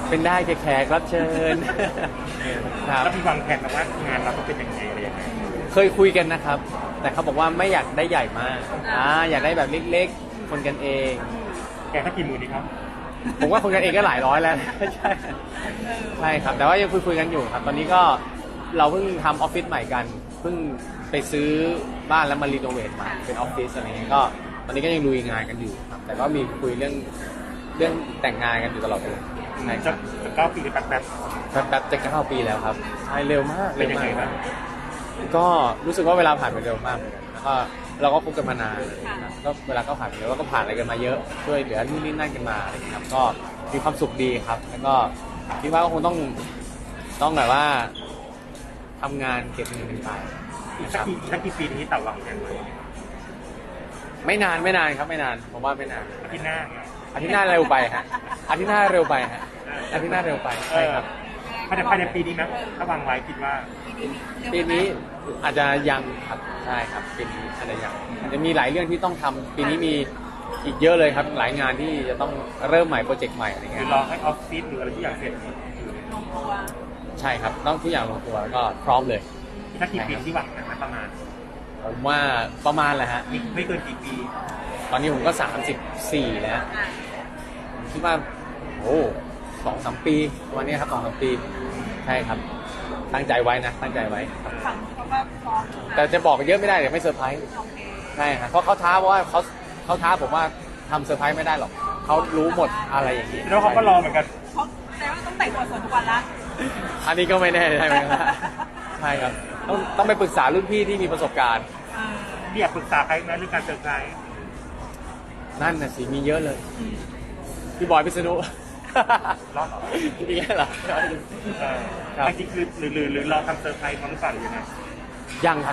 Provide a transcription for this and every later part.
เป็นได้แขกรับเชิญครับแล้วมีวางแผนมาว่างานเราต้องเป็นยังไงอะไรยังไงเคยคุยกันนะครับ แต่เขาบอกว่าไม่อยากได้ใหญ่มากอยากได้แบบเล็กๆคนกันเองแกถ้ากี่หมื่นดีครับผมว่าคนกันเองก็หลายร้อยแล้วใช่ใช่ครับแต่ว่ายังคุยกันอยู่ครับตอนนี้ก็เราเพิ่งทำออฟฟิศใหม่กันเพิ่งไปซื้อบ้านแล้วมารีโนเวทใหม่เป็นออฟฟิศอะไรเงี้ยก็ตอนนี้ก็ยังลุยงานกันอยู่ครับแต่ก็มีคุยเรื่องแต่งงานกันอยู่ตลอดเลยจะ9 ปีหรือแป๊บจะ9 ปีแล้วครับใช่เร็วมากเป็นยังไงบ้างก็รู้สึกว่าเวลาผ่านไปเร็วมากแล้วก็เราก็คบกันมานานก็เวลาก็ผ่านไปแล้วก็ผ่านอะไรกันมาเยอะช่วยเหลือนู่นนี่นั่นกันมาอะไรอย่างเงี้ยครับก็มีความสุขดีครับแล้วก็คิดว่าก็คงต้องแบบว่าทำงานเก็บเงินกันไปสักกี่ปีนี้ต่อวางแผนไว้ไม่นานครับไม่นานผมว่าไม่นานอาทิตย์หน้าเร็วไปฮะอาทิตย์หน้าเร็วไปฮะอาทิตย์หน้าเร็วไปใช่ครับภายในปีนี้ไหมถ้าวางไว้คิดว่าปีนี้อาจจะยังครับใช่ครับปีนี้อาจจะมีหลายเรื่องที่ต้องทำปีนี้มีอีกเยอะเลยครับหลายงานที่จะต้องเริ่มใหม่โปรเจกต์ใหม่อะไรเงี้ยรอให้ออฟฟิศหรืออะไรที่อยากเสร็จใช่ครับต้องทุกอย่างลงตัวแล้วก็พร้อมเลยถ้ากี่ปีที่หวังนะประมาณผมว่าประมาณแหละฮะไม่เกินกี่ปีตอนนี้ผมก็34แล้วคิดว่าโอ้2-3 ปีวันนี้ครับ2-3 ปีใช่ครับตั้งใจไว้นะตั้งใจไว้ฝั่งเขาก็พร้อมแต่จะบอกเยอะไม่ได้เดี๋ยวไม่เซอร์ไพรส์ใช่ครับเพราะเขาท้าว่าเขาท้าผมว่าทำเซอร์ไพรส์ไม่ได้หรอกเขารู้หมดอะไรอย่างนี้แล้วเขาก็รอเหมือนกันเขาแต่ว่าต้องแต่งตัวสวยทุกวันละอันนี้ก็ไม่แน่ใช่ไหมครับใช่ครับต้องไปปรึกษารุ่นพี่ที่มีประสบการณ์อยากปรึกษาใครไหมเรื่องการเซอร์ไพรส์นั่นน่ะสิมีเยอะเลยพี่บอยพิษณุรอดหรออีกแล้วเหรอจริงคือหรือรอทำเซอร์ไพรส์มั้งหรือเปล่าหรือยังไงยังครับ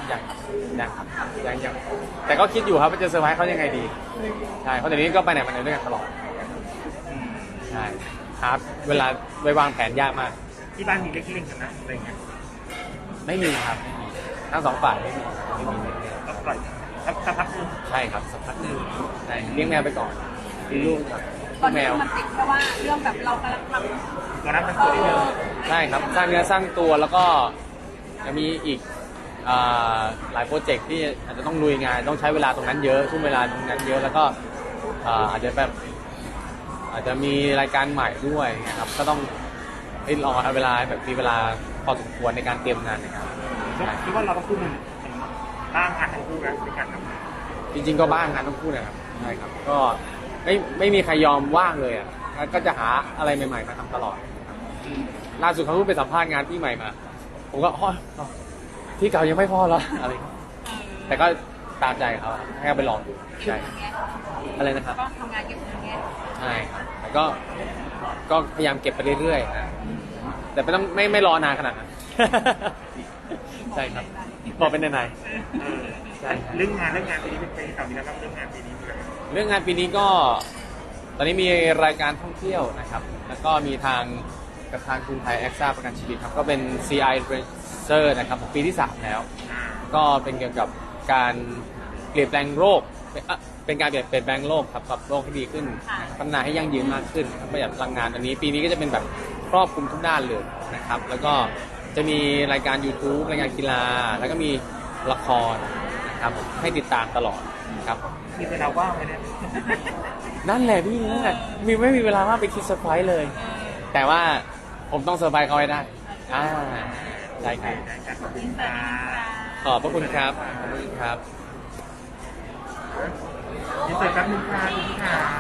แต่ก็คิดอยู่ครับว่าจะเซอร์ไพรส์เขายังไงดีใช่เพราะเดี๋ยวนี้ก็ไปไหนมาไหนด้วยกันตลอดใช่ครับเวลาไปวางแผนยากมากที่บ้านมีเล็กๆกันนะอะไรเงี้ยไม่มีครับทั้งสองฝ่ายไม่มีก็ปล่อยสักพักนึงใช่ครับสักพักนึงใช่เลี้ยงแมวไปก่อนมีลูกครับตอนนี้มันติดเพราะว่าเรื่องแบบเรากำลังทำตัวนั้นมันตัวเดียวใช่ครับสร้างเนื้อสร้างตัวแล้วก็จะมีอีกหลายโปรเจกต์ที่อาจจะต้องลุยงานต้องใช้เวลาตรงนั้นเยอะช่วงเวลาตรงนั้นเยอะแล้วก็อาจจะมีรายการใหม่ด้วยนะครับก็ต้องรอเวลาแบบมีเวลาพอสมควรในการเตรียมงานนะครับคิดว่าเราต้องพูดบ้างงานทั้งคู่นะในการทำจริงๆก็บ้างงานต้องพูดนะครับใช่ครับก็ไม่มีใครยอมว่างเลยอ่ะก็จะหาอะไรใหม่ๆมาทำตลอดล่าสุดเขาเพิ่งไปสัมภาษณ์งานที่ใหม่มาผมก็ที่เก่ายังไม่พอเหรออะไรแต่ก็ตามใจเขาให้เขาไปลองดูใช่อะไรนะครับก็ทำงานเก็บเงินไงใช่ครับแต่ก็พยายามเก็บไปเรื่อยๆนะแต่ไม่รอนานขนาดนั้นใช่ครับบอกเป็นไหนใช่เรื่องงานปีนี้เป็นไปต่อมีแล้วครับเรื่องงานปีนี้ก็ตอนนี้มีรายการท่องเที่ยวนะครับแล้วก็มีทางกับทางกรุงไทยแอคซ่าประกันชีวิตครับก็เป็น CI Influencer นะครับปีที่3แล้วก็เป็นเกี่ยวกับการเปลี่ยนแปลงโลกเป็นการเปลี่ยนแปลงโลกครับปรับโลกให้ดีขึ้นพัฒนาให้ยั่งยืนมากขึ้นประหยัดพลังงานอันนี้ปีนี้ก็จะเป็นแบบครอบคลุมทุกด้านเลยนะครับแล้วก็จะมีรายการ YouTube รายการกีฬาแล้วก็มีละครนะครับให้ติดตามตลอดครับมีเวลาว่างไหมเนี่ยนั่นแหละพี่นั่นแหละไม่มีเวลาว่างไปคิดเซอร์ไพรส์เลยแต่ว่าผมต้องเซอร์ไพรส์เขาให้ได้ใช่ครับขอบพระคุณครับขอบคุณครับนี่เสร็จแป๊บนึงค่ะ